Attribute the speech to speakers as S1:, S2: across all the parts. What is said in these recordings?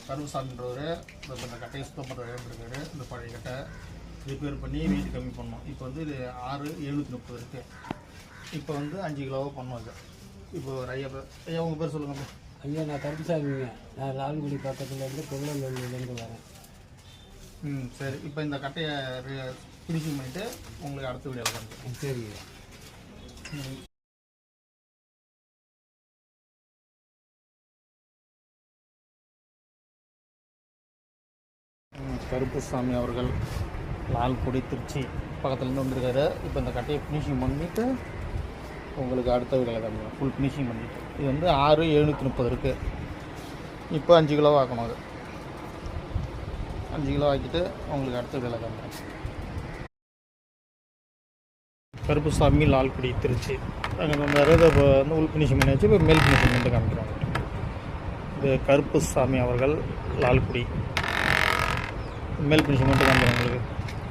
S1: கருப்புசாமின்றவர் இந்த கட்டையை சுத்தம் பண்ணுற இருக்காரு. இந்த பழைய கட்டை ரிப்பேர் பண்ணி வெயிட் கம்மி பண்ணோம். இப்போ வந்து இது 6,730 இருக்குது. இப்போ வந்து 5 கிலோவாக பண்ணோம். அது இப்போ ஒரு ஐயா உங்கள் பேர் சொல்லுங்கள்.
S2: ஐயா நான் கருப்புசாமிங்க. நான் லால்குடி பக்கத்துலேருந்து பொங்கலூர்லேருந்து வரேன்.
S1: சரி. இப்போ இந்த கட்டையை ஃபினிஷிங் பண்ணிவிட்டு உங்களுக்கு அடுத்த வீடியோவில் பண்ணுறேன்.
S2: சரிங்க.
S1: கருப்புசாமி அவர்கள் லால்குடி திருச்சி பக்கத்துலேருந்து வந்திருக்காரு. இப்போ இந்த கட்டையை ஃபினிஷிங் பண்ணிவிட்டு உங்களுக்கு அடுத்த வீடியோவில் காமிக்கிறேன். ஃபுல் ஃபினிஷிங் பண்ணிவிட்டு இது வந்து 6,730 இருக்குது. இப்போ 5 கிலோ ஆக்கணும். அது 5 கிலோ ஆக்கிட்டு உங்களுக்கு அடுத்த வீடியோவில் காமிக்கிறேன். கருப்புசாமி லால்குடி திருச்சி அங்கே வந்தார். இப்போ வந்து உள் ஃபினிஷிங் பண்ணி வச்சு இப்போ மேல் ஃபினிஷிங் பண்ணிட்டு காமிக்கிறோம். இது கருப்புசாமி அவர்கள் லால்குடி மேல் ஃபினிஷிங் பண்ணிட்டு காமிக்கிறோம் உங்களுக்கு.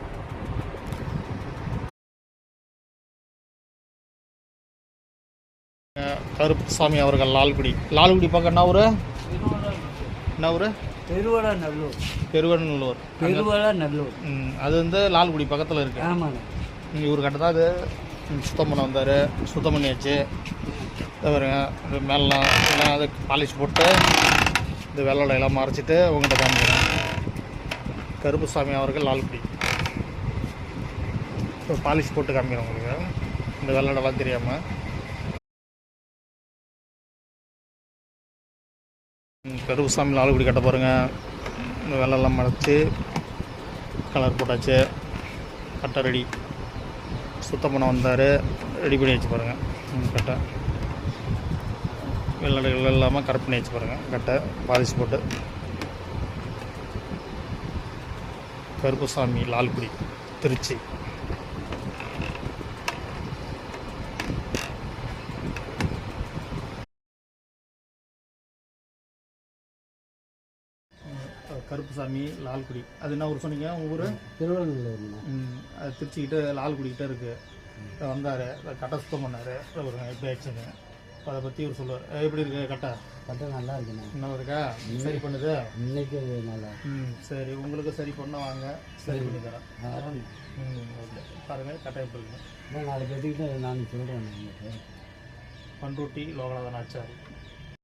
S1: கருப்புசாமி அவர்கள் லால்குடி பக்கம் என்ன ஊர்?
S2: பெருவடநல்லூர்.
S1: அது வந்து லால்குடி பக்கத்தில் இருக்குது.
S2: ஆமாங்க.
S1: இவர் கட்ட தான் அது சுத்தம் பண்ண வந்தார். சுத்தம் பண்ணியாச்சு. பாருங்க மேலாம் எல்லாம் அது பாலிஷ் போட்டு இந்த வெள்ளை எல்லாம் மறைச்சிட்டு உங்கள்கிட்ட காமிக்கிறேன். கருப்புசாமி அவர்கள் லால்குடி இப்போ பாலிஷ் போட்டு காமிக்கிறேன் உங்களுக்கு. இந்த வெள்ளடெல்லாம் தெரியாமல் கருப்புசாமி லால்குடி கட்ட பாருங்கள். இந்த வெள்ளெல்லாம் மறைச்சி கலர் போட்டாச்சு. கட்டை ரெடி. சுத்தம் பண்ண வந்தார். ரெடி பண்ணி வச்சு பாருங்கள். கட்டை வெள்ளடைகள் இல்லாமல் கரெக்ட் பண்ணி வச்சு பாருங்கள். கட்டை பாலிஷ் போட்டு கருப்புசாமி லால்குடி திருச்சி. கருப்புசாமி லால்குடி அது என்ன ஊர் சொன்னீங்க? உங்கள் ஊர்?
S2: திருவண்ணூர்.
S1: அது திருச்சிக்கிட்ட லால்குடிக்கிட்ட இருக்குது. வந்தார். கட்டை சுத்தம் பண்ணார். ஒரு எப்படி ஆச்சுன்னு அதை பற்றி இவர் சொல்லுவார். எப்படி இருக்கு கட்டை?
S2: கட்டை நல்லா இருக்குண்ணா.
S1: நல்லா இருக்கா? சரி பண்ணுது
S2: இன்னைக்கு நல்லா.
S1: சரி. உங்களுக்கு சரி பண்ண வாங்க, சரி பண்ணி தரேன். ஓகே. பாருங்கள் கட்டை எப்படி இருக்குன்னு.
S2: நாளைக்கு எடுத்துக்கிட்டு நான் சொல்கிறேன்.
S1: பண்ருட்டி லோகநாதன் ஆச்சாரி.